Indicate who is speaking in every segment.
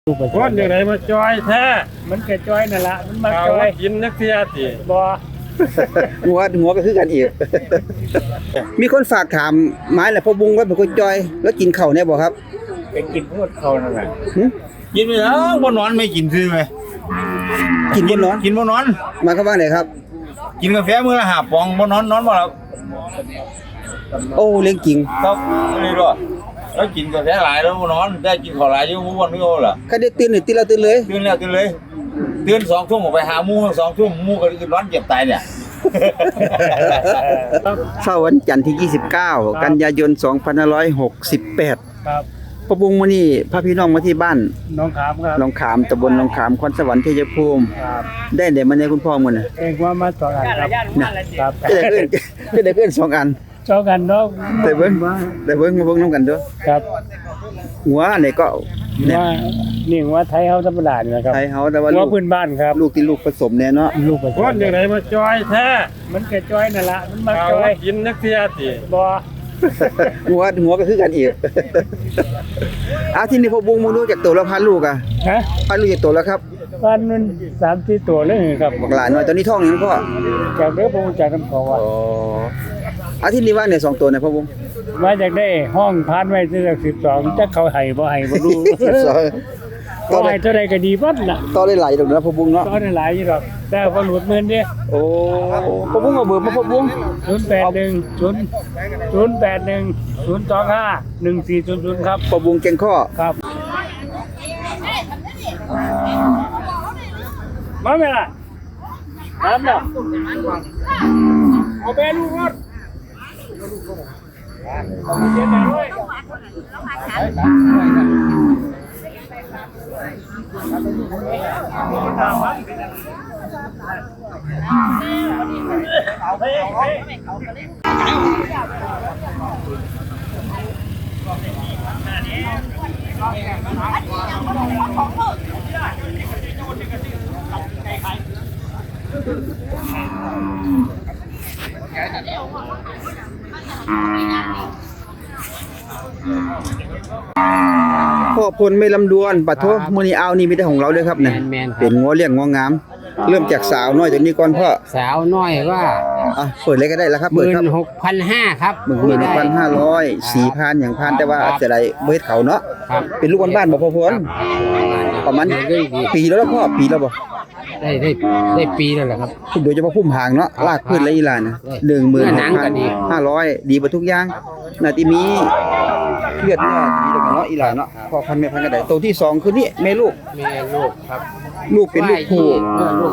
Speaker 1: คนอย่างไรมาจอยแท้
Speaker 2: มันแก่จอยนั่นละมันมาจอย
Speaker 1: กินนักเสียสิ
Speaker 2: บ่
Speaker 3: หัวก็คือกันอีก มีคนฝากถามไม้แหละพ่อบุ้งว่าเป็นคนจอยแล้วกินข้าวแน่บ่ครับ
Speaker 2: ไปกินพวกเขานั่นแหละ
Speaker 4: กินไปแล้วบ่นอนไม่กินซื้อไหม
Speaker 3: กินบ่นอน
Speaker 4: กินบ่นอน
Speaker 3: มาเข้าบ้านไหนครับ
Speaker 4: กินกาแฟมื้อละ5 ปองบ่นอนบ่หลับ
Speaker 3: โอ้เลี้ยงจริง
Speaker 4: ครับนี่ด้วยแล้วกินกาแฟหลายแล้วบ่นอนได้กินข้าวหลายอยู่บ่วันนี้โอ้ล่ะ
Speaker 3: ใครได้ตื่นนี่ตื่นแล้วตื่นเลย
Speaker 4: ตื่นเลยตื่น2 ทุ่มออกไปหาหมู่2 ทุ่มหมู่ก็นอนเจ็บตายเนี่ย
Speaker 3: เช้าวันจันทร์ที่29กันยายน2568
Speaker 2: ครับ
Speaker 3: พ่อบุ้งมื้อนี้พาพี่น้องมาที่บ้าน
Speaker 2: น้องขามครับ
Speaker 3: หนองขามตำบลหนองขามคอนสวรรค์ชัยภูมิ
Speaker 2: ครับ
Speaker 3: ได้มาเนี่ยคุณพ่อมื้อน่ะ
Speaker 2: เองว่ามา2 อันครับ
Speaker 3: ได้เกิน2 อัน
Speaker 2: 2 อันเนาะ
Speaker 3: ได้เบิ่งมาเบิ่งนำกันเด้อ
Speaker 2: ครับ
Speaker 3: หัวนี่ก็
Speaker 2: ว่านี่ว่าไทยเฮาธรรมดานี่นะครับ
Speaker 3: ไทยเฮาแต่ว่า
Speaker 2: ลูกพื้นบ้านครับ
Speaker 3: ลูกที่ลูกผสมแน่เนาะ
Speaker 2: ลูกผสม
Speaker 1: คนอย่างไรมาจอยแท้
Speaker 2: มันแก่จอยนั่นละมันมาจอย
Speaker 1: กินนักเสียสิ
Speaker 2: บ่
Speaker 3: หัวก็คือกันอีกที่นี่พ่อบุ้งมึงรู้จักตัวแล้วพันลูกอ่ะ
Speaker 2: ฮะ
Speaker 3: พันลูกจักตัวแล้วครับ
Speaker 2: พันมัน3-4 ตัวเลยครับ
Speaker 3: บักหลานน้อยตอนนี้ท้องยังพ่อ
Speaker 2: จากเด้อผมจากกันเขาว่า
Speaker 3: ที่นี่ว่าเนี่ย2 ตัวเนี่ยพ่อบุ้ง
Speaker 2: มาจากได้ห้องพันไว้ที่12จักเขาให้บ่ให้บ่รู้ต่อให้เท่าใดก็ดีบัดน่ะ
Speaker 3: ต่อได้หลายดอกนะพ่อบุ้งเนาะ
Speaker 2: ต่อได้หลายอยู่ดอกแต่บ่หลุดหมื่นเด้
Speaker 3: โอ้พ่อบุ้งเอาเบอร์มาพ่อบุ้ง
Speaker 2: 0810251400ครับ
Speaker 3: พ่อบุ้งเก่งข้อ
Speaker 2: ครับมาแม่ล่ะครับเนาะเอาไปลูกรถ
Speaker 3: พ่อพลไม่ลำดวนปัดโทมื้อนี้เอานี่มีแต่ของเราเลยครับเนี่ยเป็นงัวเลี้ยงงัวงามเริ่มจากสาวน้อยจากนี้ก่อนพ่อ
Speaker 2: สาวน้อยว่า
Speaker 3: เปิดเลยก็ได้แล้วครับเปิดครับ
Speaker 2: 16,500 ครับ
Speaker 3: 16,500 4,000อย่างพันแต่ว่าจะได้บ่เฮ็ดเขาเนาะเป็นลูกบ้านๆบ่พ่อพลประมาณปีแล้วพ่อปีแล้วบ่
Speaker 2: ได้ปีแล้วแหละครับ
Speaker 3: โดยเฉพาะพุ่มหางเนาะลากพื้นและอีหลาน 16,500 ดีบ่ทุกอย่างน่าที่มีเลือดเนาะดีแล้วเนาะอีหลานเนาะพ่อพันแม่พันก็ได้ตัวที่2คือนี่แม่ลูก
Speaker 2: ครับ
Speaker 3: ลูกเป็นลูกผู้
Speaker 2: ลูก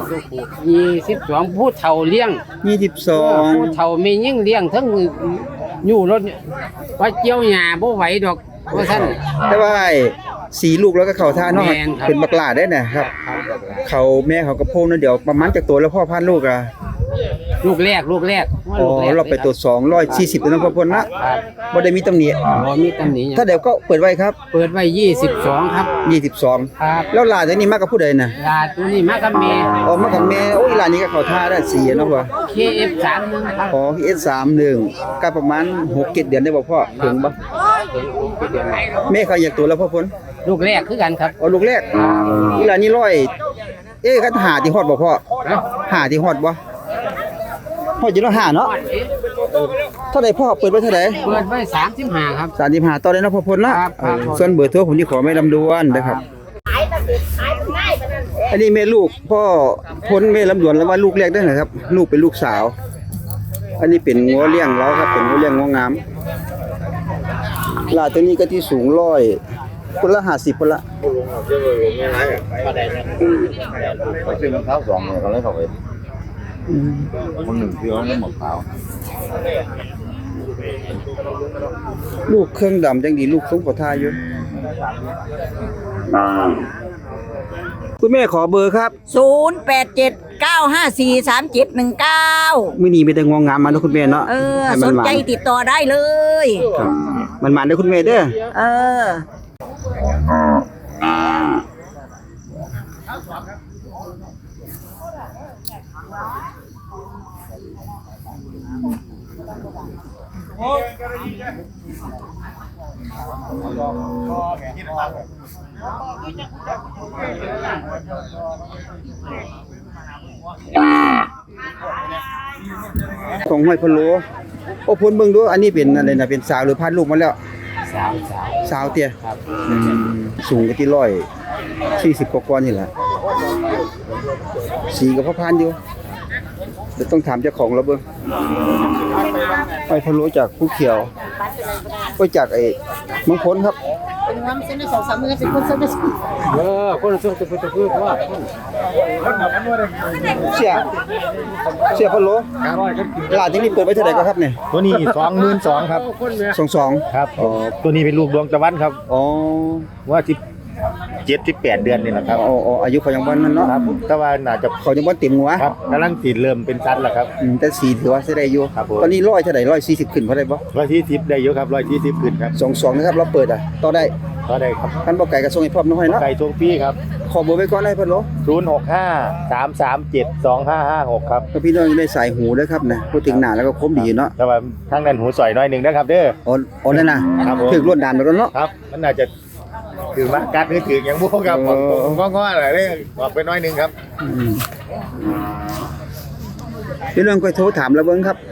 Speaker 2: 22ผู้เฒ่าเลี้ยง
Speaker 3: 22
Speaker 2: ผู้เฒ่าแม่ยิ่งเลี้ยงทั้งอยู่รถว่าเจียวหญ้าบ่ไหวดอกว่าซั่น
Speaker 3: แต่ว่าสีลูกแล้วก็เข้าท่าเนาะเป็นบักหลาได้นะครับเขาแม่เขากระโพงนั่นเดี๋ยวประมาณจากตัวแล้วพ่อพันลูกอ่ะ
Speaker 2: ลูกแรก
Speaker 3: เราไปตัว240แล้วพ่อพลนะบ่ได้มีตำหนิ
Speaker 2: บ่มีตำหนิ
Speaker 3: ถ้าเดี๋ยวก็เปิดไว้ครับ
Speaker 2: เปิดไว้22ครับ
Speaker 3: 22
Speaker 2: ครับ
Speaker 3: แล้วหลานตัวนี้มากับผู้ใดน่ะ
Speaker 2: หลานตัวนี้มากับแม่
Speaker 3: มากับแม่โอ้ยหลานนี้ก็เข้าท่าได้4เนาะพ่อ
Speaker 2: KF31 ครับ
Speaker 3: KF31 ก็ประมาณ6-7 เดือนได้บ่พ่อถึงบ่แม่เขาอยากตัวแล้วพ่อพล
Speaker 2: ลูกแรกคือกันครับ
Speaker 3: ลูกแรกอีหลานนี้คันหาที่ฮอดบ่พ่อหาที่ฮอดบ่พ่อจะต้องหาเนาะเท่าใดพ่อเปิดไว้เท่าใด
Speaker 2: เปิดไว้35ครับ
Speaker 3: 35ต่อได้เนาะพ่อพลนะส่วนเบอร์โทรผมสิขอไม่ลำดวนนะครับอันนี้แม่ลูกพ่อพลแม่ลำดวนแล้วว่าลูกแรกได้นะครับลูกเป็นลูกสาวอันนี้เป็นงัวเลี้ยงเราครับเป็นงัวเลี้ยงงัวงามลาตัวนี้ก็ที่สูง100คนละ50คนละ
Speaker 4: ซื้อรองเท้า2เนี่ยเขาเลยเข้าไปคนหนึ่งซื้อแล้วหมดขาว
Speaker 3: ลูกเครื่องดำจังดีลูกทรงประทาอยู่คุณแม่ขอเบอร์ครับ
Speaker 5: 0879543719
Speaker 3: มื้อนี้มีแต่งวงงามมาเนาะคุณแม่เนาะ
Speaker 5: สนใจติดต่อได้เลย
Speaker 3: มันมาได้คุณแม่เด้อของห้อยพะโล้โอ้พ้นเบิ่งดูอันนี้เป็นอะไรนะเป็นสาวหรือพันลูกมาแล้วสาวเตี้ยครับสูงก็ที่140กว่าๆนี่แหละสีก็พอพันอยู่เดี๋ยวต้องถามเจ้าของแล้วเบิ่งห้อยพะโล้จากผู้เขียวก็จากไอ้เมืองพ้นครับ
Speaker 1: คนส่งจะพูดว่า
Speaker 3: เสียพะโล้หลานที่นี่เปิดไว้เท่าไหร่ก็ครับเนี่ย
Speaker 4: ตัวนี้22,000ครับ
Speaker 3: 22
Speaker 4: ครับตัวนี้เป็นลูกดวงตะวันครับ
Speaker 3: อ๋อ
Speaker 4: ว่า17-18 เดือนนี่แหละครับ
Speaker 3: อ๋ออายุเขายังบ่นั้นเนาะ
Speaker 4: ครับแต่ว่าน่าจะ
Speaker 3: เขายังบ่เต็มหัว
Speaker 4: ครับกำลังติดเริ่มเป็นซัดแล้วครับ
Speaker 3: แต่สีถือว่าใช้ได้อยู่
Speaker 4: ครับผม
Speaker 3: ตอนนี้100เท่าไหร่140ขึ้นพอได้บ่
Speaker 4: 120ได้เยอะครับ120ขึ้นครับ
Speaker 3: 22นะครับเราเปิดต่อได้
Speaker 4: ก็ได้ครับ
Speaker 3: คันบ่ไก่ก็ส่งให้พร้อมน้อยเนาะ
Speaker 4: ไก่ทรงพี่ครับ
Speaker 3: ขอเบอร์ไว้ก่อนได้เพิ่นโล
Speaker 4: 065-337-2556ครับ
Speaker 3: ถ้าพี่น้องอยู่ในสายหูเด้อครับนะพูดถึงหน้าแล้วก็คมดีเนาะ
Speaker 4: แต่ว่าทางนั้นหูสอยน้อยหนึงนะครับเด้อ
Speaker 3: อ๋อนั่นน่ะ
Speaker 4: ครับผม
Speaker 3: ถึกรวดด่านแล้วเนาะ
Speaker 4: ครับมันน่าจะถือมากัดหรือถืออย่างพวกครับ
Speaker 3: อ๋อ
Speaker 4: ผมง้อๆอะไรเลยบอกไปน้อยหนึงครับ
Speaker 3: พี่น้องก็โทรถามแล้วเบิ่งครับ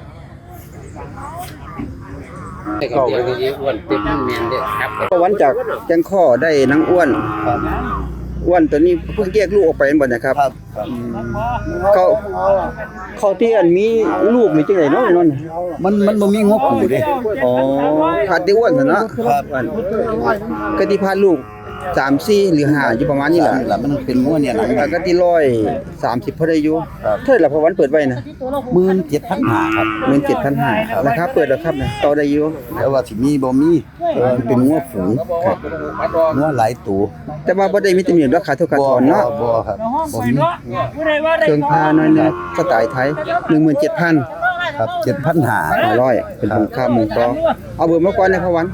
Speaker 6: ก็เดี๋ยวนี้อ้วนเต็มแมนเด้อครับ
Speaker 3: ก็วันจากแจ้งข้อได้นางอ้วนอ้วนตัวนี้เพิ่งแยกลูกออกไปแม่นบ่นะครับเขาที่อันมีลูกนี่จังได๋เนาะไอ้นั่นน่ะ
Speaker 7: มันบ่มีงบอยู่เด้
Speaker 3: อ๋อขาดที่อ้วนซั่นเนาะครับก็ที่พาลูก3 4หรือ5อยู่ประมาณนี้แหละ
Speaker 7: นี่ล่ะมันเป็นงัวเนี่ยหลัง
Speaker 3: แล้วก็ที่130พอได้อยู่เท่าไหร่ล่ะพอวันเปิดไว้นะ
Speaker 7: 17,500ครับ
Speaker 3: 17,500ราคาเปิดแล้วครับนะต่อได้อยู่
Speaker 7: แต่ว่าสิมีบ่มีมันเป็นงัวฝูงครับงัวหลายตัว
Speaker 3: แต่ว่าบ่ได้มีแต่มีราคาเท่ากันถอนเนาะ
Speaker 7: บ่ครับบ่มี
Speaker 3: เครื่องพาน้อยนะสไตล์ไทย 17,500
Speaker 7: ครับ 7,500
Speaker 3: เป็นของค่าหมู่กอเอาเบอร์มาก่อนนะพอวัน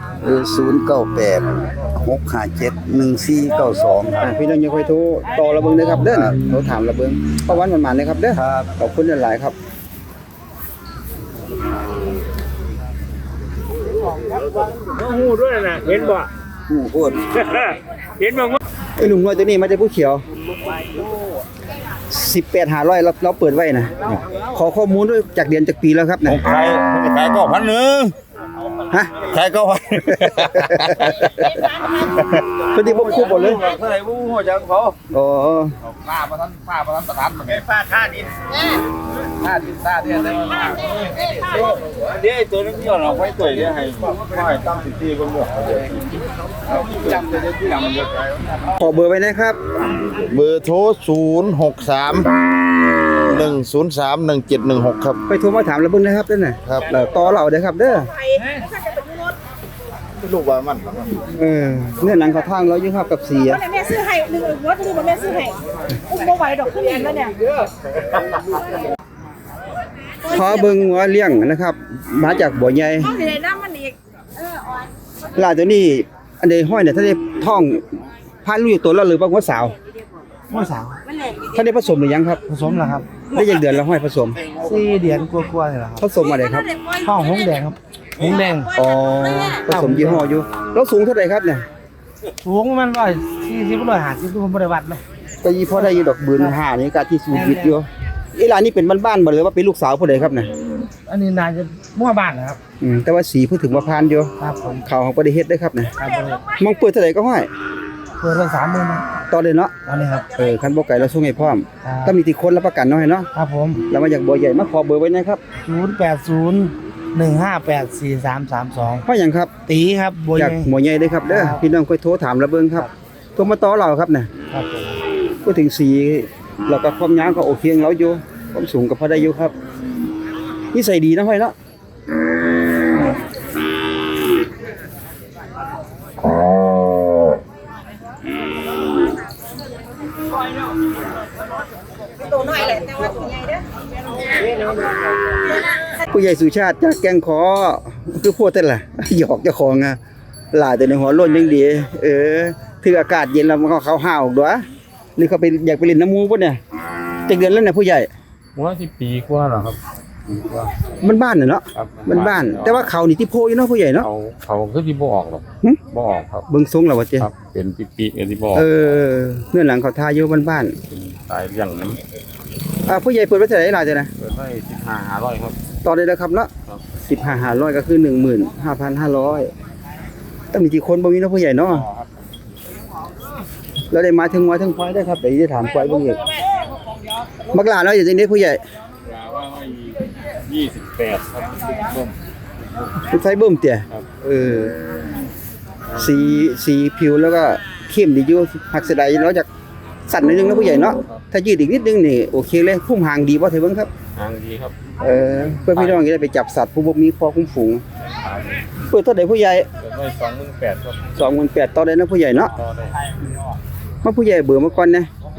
Speaker 7: 098 657 1492
Speaker 3: พี่น้องอย่าค่อยโทรต่อระเบิงเด้อครับเด้อนะโทรถามระเบิงพอวันหมันๆเลยครับเด้อ
Speaker 7: ครับ
Speaker 3: ขอบคุณหลายๆครับ
Speaker 1: หูด้วยนะเห็นบ่
Speaker 3: หมู่โคตร
Speaker 1: เห็นบ่ว่า
Speaker 3: ไอ้หนุ่มน้อยตัวนี้มาจากผู้เขียว 18,500เราเปิดไว้นะขอข้อมูลด้วยจากเดือนจากปีแล้วครับนะ
Speaker 4: ขาย9,000
Speaker 3: ฮะ
Speaker 4: ขาย9,000
Speaker 3: พอดีบ่คู่บ่เลย
Speaker 4: เมื่อไหร่ผู้หัวจังเขา
Speaker 3: อ๋อ
Speaker 4: ป้าประทันประทันป้าค่าดินค่าดินค่าเนี่ยได้มาเดี๋ยวตัวนึงย้อนเอาไว้ตัวเดี๋ยวให้ตั้ง14คนบ่จำได้ที่หลังมันเยอะ
Speaker 3: ขอเบอร์ไว้นะครับ
Speaker 7: เบอร์โทร063 103 1716ครับ
Speaker 3: ไปโทรมาถามระเบิงนะครับเด้อน่ะ
Speaker 7: ครับ
Speaker 3: แล้วต่อเราเด้อครับเด้อ
Speaker 7: ลูกว่ามัน
Speaker 3: เนื้อหนังเขาทางเราอยู่ครับกับสีอะ
Speaker 8: แม่ซื้อให้หนึ่งรถคือแม่ซื้อให้อุ้มบ่ไหวดอกขึ้นเองแล้วเนี่ย
Speaker 3: ขอเบิ่งหัวเลี้ยงนะครับ มาจากบ่อใหญ่
Speaker 8: ต้องสิได้น้ำมันอีก
Speaker 3: ลาตัวนี้อันใดห้อยเนี่ยถ้าได้ท้องพานลูกอยู่ตัวแล้วหรือว่าหัวสาวถ้าได้ผสมหรือยังครับ
Speaker 7: ผสมแล้วครับ
Speaker 3: ได้ยังเดือนแล้วห้อยผสม
Speaker 7: 4 เดือนกว่าๆนี่ล่ะครับ
Speaker 3: ผสมอะไรครับ
Speaker 7: ห้องหงแดงครับหงแดง
Speaker 3: อ๋อผสมยี่ห้ออยู่แล้วสูงเท่าไหร่ครับเนี่ย
Speaker 7: สูงมัน140 150ผมบ่ได้วัดเลย
Speaker 3: ก็ยี่พอได้อยู่ดอกบืน5นี่ก็ที่สูงวิทย์อยู่อีหลานนี่เป็นบ้านๆบ่หรือว่าเป็นลูกสาวผู้ใดครับเนี่ย
Speaker 7: อันนี้น่าจะมั่วบ้านนะครับ
Speaker 3: แต่ว่าสีพูดถึงว่าพานอยู่
Speaker 7: ครับผม
Speaker 3: เขาของบ่ได้เฮ็ดเด้อครับเนี่ย
Speaker 7: ครับผม
Speaker 3: มองเปิดเท่าไหร่ก็ห้อย
Speaker 7: เปิดไว้30,000นะ
Speaker 3: ต่อเลยเนาะ
Speaker 7: อันนี้ครับ
Speaker 3: คันบ่ไก่เราส่งให้พร้อม
Speaker 7: ครับ
Speaker 3: ถ้ามีที่คนรับประกันเนาะให้เนาะ
Speaker 7: ครับผม
Speaker 3: แล้วมาจากบ่อใหญ่มาขอเบอร์ไว้นะครับ
Speaker 7: 080 158 4332
Speaker 3: เพราะหยังครับ
Speaker 7: ตีครับบัว
Speaker 3: จาก
Speaker 7: ใหญ่
Speaker 3: หมอใหญ่เด้อครับเด้อ
Speaker 7: ครับ
Speaker 3: พี่น้องค่อยโทรถามระเบิงครับโทรมาต่อเราครับน่ะ
Speaker 7: ครับผม
Speaker 3: พูดถึงสีแล้วก็ความยาวก็โอเคของเราอยู่ความสูงก็พอได้อยู่ครับนิสัยดีนะห้อยเนาะ
Speaker 8: ตัวน้อยแหละแต่ว่าตัวใหญ่เด้อ
Speaker 3: ผู้ใหญ่สุชาติจากแกงขอคือพูดแต่นล่ะ หยอกเจ้าของอ่ะหลายแต่ในหัวโล้นยังดีถืออากาศเย็นแล้วมันก็เขาห้าวออกด้วยหรือเขาไปอยากไปเล่นน้ำมูป่ะเนี่ยจักเดือนแล้วเนี่ยผู้ใหญ่
Speaker 1: หัวที่ปีกว่าเหรอครับ
Speaker 3: มันบ้านน่ะเนาะ
Speaker 4: ครับ
Speaker 3: มันบ้านแต่ว่าเขานี่ที่โพอยู่เนาะผู้ใหญ่เนาะ
Speaker 4: เขาคือที่บ่ออกหรอก
Speaker 3: หึ
Speaker 4: บ่ออกครับ
Speaker 3: เบิ่งทรงแล้วว่าเจ้
Speaker 4: ครับเป็นปีๆกันที่บ่ออก
Speaker 3: เนื้อหลังเขาทาอยู่บ้าน
Speaker 4: ตายอย่างนั้น
Speaker 3: ๆผู้ใหญ่เปิดไว้เท่าไหร่ล่ะจ้ะนะ
Speaker 4: เปิดไว้15,500ครับ
Speaker 3: ต่อได้แล้วครับเนาะ
Speaker 4: ครับ
Speaker 3: 15,500ก็คือ 15,500ต้องมีกี่คนบ่มีเนาะผู้ใหญ่เนาะแล้วได้มาถึงควายได้ครับเดี๋ยวจะถามควายเบิ่งอีกบักหลาเนาะอยู่ตรงนี้ผู้ใหญ่
Speaker 4: ว่า28ครับร่ม
Speaker 3: ผู้ชายเบิ่มเตี่ย
Speaker 4: ครับ
Speaker 3: สีผิวแล้วก็เข้มดีอยู่หักเสยดายเราจากสั่นนิดนึงนะผู้ใหญ่เนาะถ้ายืดอีกนิดนึงนี่โอเคเลยพุ่มหางดีบ่เถอะเบิ่งครับ
Speaker 4: ทางดีครับ
Speaker 3: เพื่อพี่น้องจะได้ไปจับสัตว์ผู้บ่มีคอคุ้มฝูงเปิดเท่าใดผู้ใหญ่
Speaker 4: เปิดไว้28,000ครับ
Speaker 3: 28,000ต่อได้นะผู้ใหญ่เนาะ
Speaker 4: ต่อได้
Speaker 3: มาผู้ใหญ่เบื่อมาก่อนนะ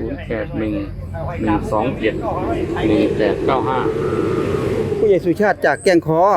Speaker 4: 0811271895
Speaker 3: ผู้ใหญ่สุชาติจากแก้งขอ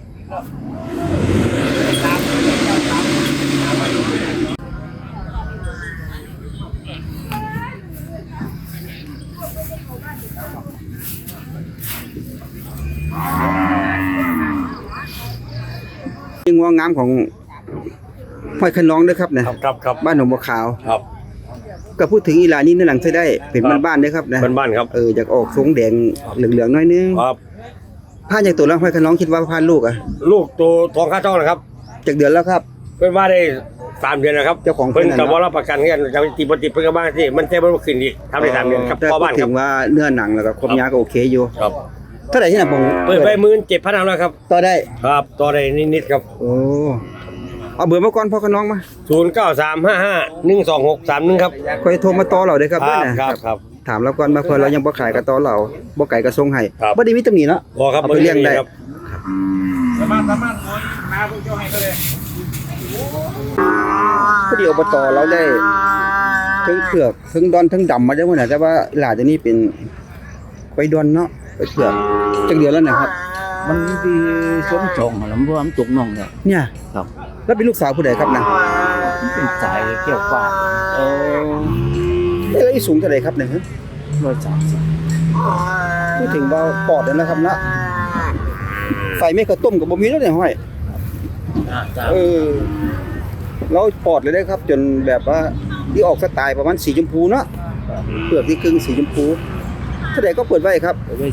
Speaker 3: งวงงามของห้อยขนองด้วยครับนะครับ
Speaker 1: ครับ
Speaker 3: บ้านหนองบัวขาว
Speaker 1: ครับ
Speaker 3: ก็พูดถึงอีหลานี่ในหลังใช้ได้เป็นบ้านๆเด้อครับนะ
Speaker 1: บ้านๆครับ
Speaker 3: อยากออกทรงแดงเหลืองๆหน่อยนึง
Speaker 1: ครับ
Speaker 3: ผ่านจากตัวแล้วห้อยขนองคิดว่าผ่านลูกอ่ะ
Speaker 1: ลูกตัวทองค่าจ้องนะครับ
Speaker 3: จากเดือนแล้วครับ
Speaker 1: เพิ่นว่าได้3เดือนนะครับ
Speaker 3: เจ้าของเพิ่
Speaker 1: เพิ่
Speaker 3: น
Speaker 1: น
Speaker 3: น่ะ
Speaker 1: ก็บ่รับประกันกันจะติดบ่ติดเพิ่นก็บ้านที่มันแท้บ่ขึ้นอีกทำได้3เดือนครับ
Speaker 3: แต่
Speaker 1: พ่อ
Speaker 3: พู
Speaker 1: บ้า
Speaker 3: ด
Speaker 1: นค
Speaker 3: ถึ
Speaker 1: รับ
Speaker 3: งว่าเนื้อหนังแล้วก็ครบยาก็โอเคอยู่
Speaker 1: ครับ
Speaker 3: เท่าไหร่ที่น่ะผม
Speaker 1: เปิดไป17,000แล้วครับ
Speaker 3: ต่อได้
Speaker 1: ครับต่อได้นิดๆครับ
Speaker 3: โอ้เอาเบอร์มาก่อนพ่อขนองมา
Speaker 1: 0935512631ครับ
Speaker 3: ค่อยโทรมาต่อเราเด้อครับ
Speaker 1: ค
Speaker 3: เด้
Speaker 1: รั
Speaker 3: อบ นะครับ
Speaker 1: ครับ
Speaker 3: ถามเราก่อนมาเพิ่นเรายังบ่ขายก็ต่อเราบ่ไก่ก็ส่งให้
Speaker 1: ครับ
Speaker 3: บ่ได้มีตำหนิเนาะ
Speaker 1: พอครับ
Speaker 3: เอาไปเลี้ยงได้
Speaker 1: ครับ
Speaker 3: พอดีอบตเราได้ถึงเผือกถึงดอนถึงดำมาได้หมดน่ะแต่ว่าหลานตัวนี้เป็นไปดอนเนาะไปเผือกจักเดือนแล้วนะครับ
Speaker 6: มันดีสมจงแล้วมันรวมตุกน้องเนี่ย
Speaker 3: เนี่ย
Speaker 6: ครับ
Speaker 3: แล้วเป็นลูกสาวผู้ใดครับนะ
Speaker 6: มันเป็นสายเกี่ยวฟ้า
Speaker 3: แล้วอีสูงเท่าไหร่ครับเนี่ยฮะ
Speaker 6: 130
Speaker 3: พูดถึงว่าปอดนั่นนะครับเนาะไฟไม่กระต้มกับบ่มีแล้วเนี่ยห้อยเราปอดเลยได้ครับ จนแบบว่าที่ออกสไตล์ประมาณสีชมพูเนาะเปลือกที่ครึ่งสีชมพูเท่าไหร่ก็เปิดไว้ครับ
Speaker 6: ไว้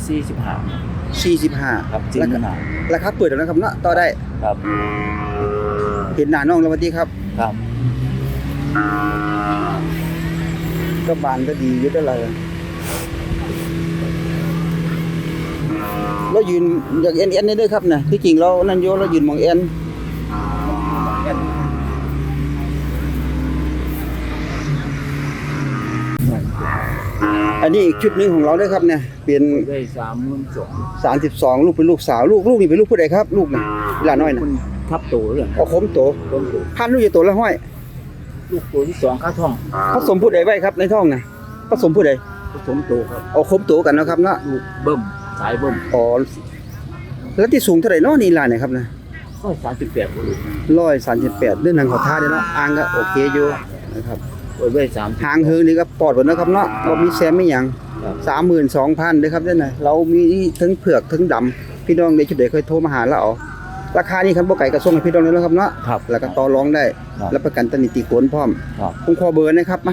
Speaker 6: 45
Speaker 3: 45
Speaker 6: ครับจริงนะ
Speaker 3: ราคาเปิดแล้วนะครับเนาะต่อได้
Speaker 6: ครับ
Speaker 3: เห็นหน้าน้องแล้วสวัสดีครับ
Speaker 6: ครับ
Speaker 3: ก็บานก็ดีอยู่ได้เลยเรายืนอยากเอ็นได้ด้วยครับนะที่จริงเรานั่นโยเรายืนมองเอ็นอันนี้อีกชุดหนึงของเราด้วยครับเนี่ยเป็น
Speaker 6: ได้32
Speaker 3: 32ลูกเป็นลูกสาวลูกนี่เป็นลูกผู้ใดครับลูกนะหลานน้อยนะ
Speaker 6: ทับโตเลย
Speaker 3: เอาคมโตพันลูกจะโตแล้วห้อย
Speaker 6: ลูกตัวที่2ค่าท้อง
Speaker 3: ผสมผู้ใดไว้ครับในท้องนะผสมผู้ใด
Speaker 6: ผสมโตครับ
Speaker 3: เอาคมโตกันนะครับเนาะ
Speaker 6: ลูกเบิ่มสายเบิ่ม
Speaker 3: อ๋อแล้วที่สูงเท่าไหร่เนาะนี่หลานเนี่ยครับนะ
Speaker 6: 138บ่ลูก
Speaker 3: 138เรื่องหนังขอท่าเด้เนาะอ่างก็โอเคอยู่นะครับ
Speaker 6: ไว้30
Speaker 3: หางเฮิงนี่ก็ปลอดหมดนะครับเนาะบ่มีแซมไม่หยัง 32,000เด้อครับเด้อน่ะเรามีทั้งเผือกทั้งดำพี่น้องได้ชุดใดค่อยโทรมาหาเราเอาราคานี้คันบ่ไกลก็ส่งให้พี่น้องเลยนะครับเนาะ
Speaker 6: ครับ
Speaker 3: แล้วก็ต่อรองได้
Speaker 6: ครับ
Speaker 3: รับประกันตำหนิติโกนพร้อม
Speaker 6: ครับ
Speaker 3: ผมขอเบอร์นะครับมา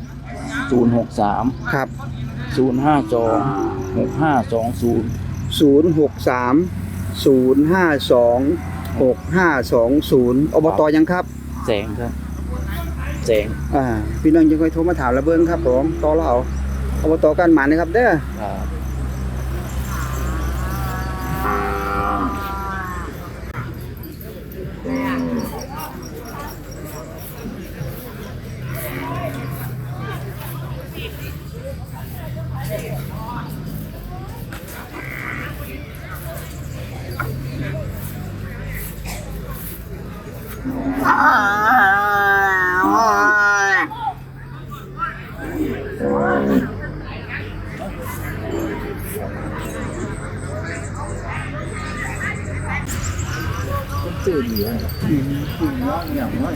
Speaker 6: 063
Speaker 3: ครับ
Speaker 6: 052 6520
Speaker 3: 063 052 6520อบตยังครับ
Speaker 6: แสงครับแสง
Speaker 3: พี่น้องยังค่อยโทรมาถามระเบิงครับผมต่อเราเอาอบตกันหมานนะครับเด้อ
Speaker 6: ครับ ชื่อดีอ่ะอย่างน้อย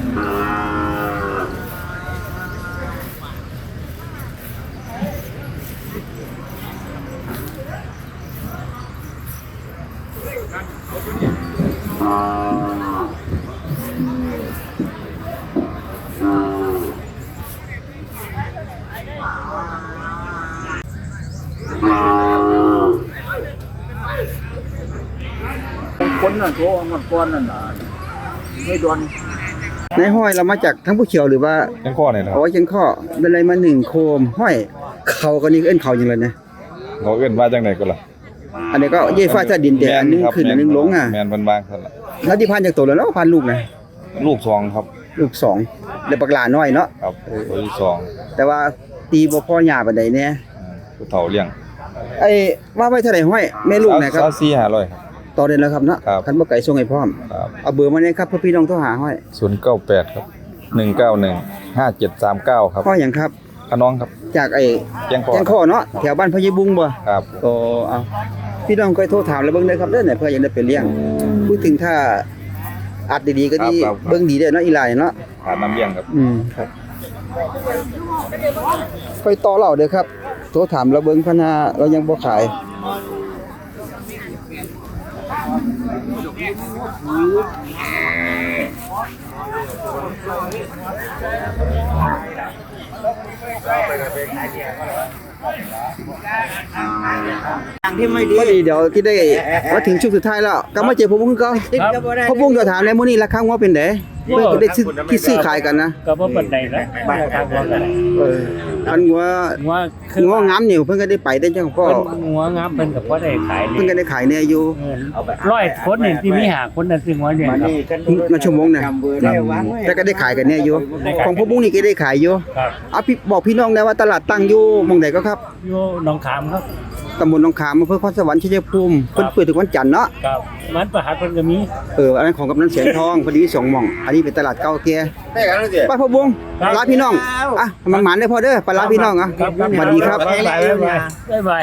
Speaker 4: คนนั่นโทรมันก่อนนั่นน่ะไม่ดวน
Speaker 3: ในห้อยเรามาจากทั้งผู้เขียวหรือว่า
Speaker 4: ยังข้อเนี่ยนะ
Speaker 3: เอาไว้เชียงข้อเป็นอะไรมา1โคมห้อยเขาก็นี่เอิ้นเขาจังเลยนะ
Speaker 4: เขาเอิ้นว่าจังไดก็ล่ะ
Speaker 3: อันนี้ก็เย่ฟ้าจะดินแต่อันนึงขึ้นอันนึงลงอ่ะ
Speaker 4: แม่นเพิ่นวางซั่นล่ะ
Speaker 3: แล้วที่พันจากตัวแล้วเนาะพันลูกนะ
Speaker 4: ลูกสองครับ
Speaker 3: ลูกสองเดี๋ยวปากหลาน้อยเนาะ
Speaker 4: ครับตัวที่สอง
Speaker 3: แต่ว่าตีบ่พ่อหญ้าปานใดแน่
Speaker 4: ผู้เฒ่าเลี้ยง
Speaker 3: ไอ้ว่าไว้เท่าไหร่ห้อยแม่ลูกนะครับ
Speaker 4: 24,500ครับ
Speaker 3: ต่อเดือนแล้วครับเนาะ
Speaker 4: ครับ
Speaker 3: คันบ่ไก่ส่งให้พร้อม
Speaker 4: ครับ
Speaker 3: เอาเบอร์มาเนี่ยครับเพื่อพี่น้องโทรหาห้อย
Speaker 4: 098ครับ1915739ครับ
Speaker 3: ห้อยหยังครับ
Speaker 4: ขน้องครับ
Speaker 3: จากไอ้
Speaker 4: แจ้งข้อ
Speaker 3: แจ้งข้อเนาะแถวบ้านพญบุงบ่
Speaker 4: ครับ
Speaker 3: ก็เอาพี่น้องก็โทรถามแล้วเบิ่งได้ครับเด้อเนี่ยเพื่ออยากได้ไปเลี้ยงพูดถึงถ้าอัดดีๆก็ดี
Speaker 4: ครับ
Speaker 3: เบิ่งดีเด้อเนาะอีหลายเนาะ
Speaker 4: ขาดน้ำเลี้ยงครับ
Speaker 3: ครับค่อยต่อเราเด้อครับโทรถามแล้วเบิ่งพะนาเรายังบ่ขายพอดีเดี๋ยวที่ได้มาถึงช่วงสุดท้ายแล้วก็มาเจอพ่อบุ้งก็พ่อบุ้งจะถามแล้วมื้อนี้ราคางัวเป็นไดเพื่อจะได้ซื้อขายกันนะ
Speaker 2: ก็บ่ปานใดละราคาบ่กัน
Speaker 3: คันงัว
Speaker 2: หัวคือ
Speaker 3: งัวงามนี่เพิ่นก็ได้ไปได้จังก็
Speaker 2: เพิ่นหัวงามเพิ่นก็บ่ได้ขาย
Speaker 3: เพิ่นก็ได้ขายแน่อยู่
Speaker 2: 100คนนี่ที่มี5คนน่ะซื้อหัวเลี้ยงครับ
Speaker 3: มาชั่วโมงน่ะแต่ก็ได้ขายกันแน่อยู่ของพ่อบุ้งนี่ก็ได้ขายอยู่
Speaker 2: ครับ
Speaker 3: เอาพี่บอกพี่น้องได้ว่าตลาดตั้งอยู่หม่องใดก็ครับ
Speaker 2: อยู่หนองขามครับ
Speaker 3: ตำบลหนองขามอำเภอคอนสวรรค์ชัยภูมิเพิ่นเปิดทุกวันจันทร์เนาะ
Speaker 2: ครับมันประหัสเพิ่นก็มี
Speaker 3: อันนั้นของกำนันเสียงทองพอดีสองหม่องอันนี้เป็นตลาดเก่าแก่
Speaker 4: ได้กันแล้วสิ
Speaker 3: ป้าพ่อบุ้งลาพี่น้องอ่ะมันหมานได้พอเด้อไปลาพี่น้องอ่ะสวัสดีครับ
Speaker 2: บ๊ายบาย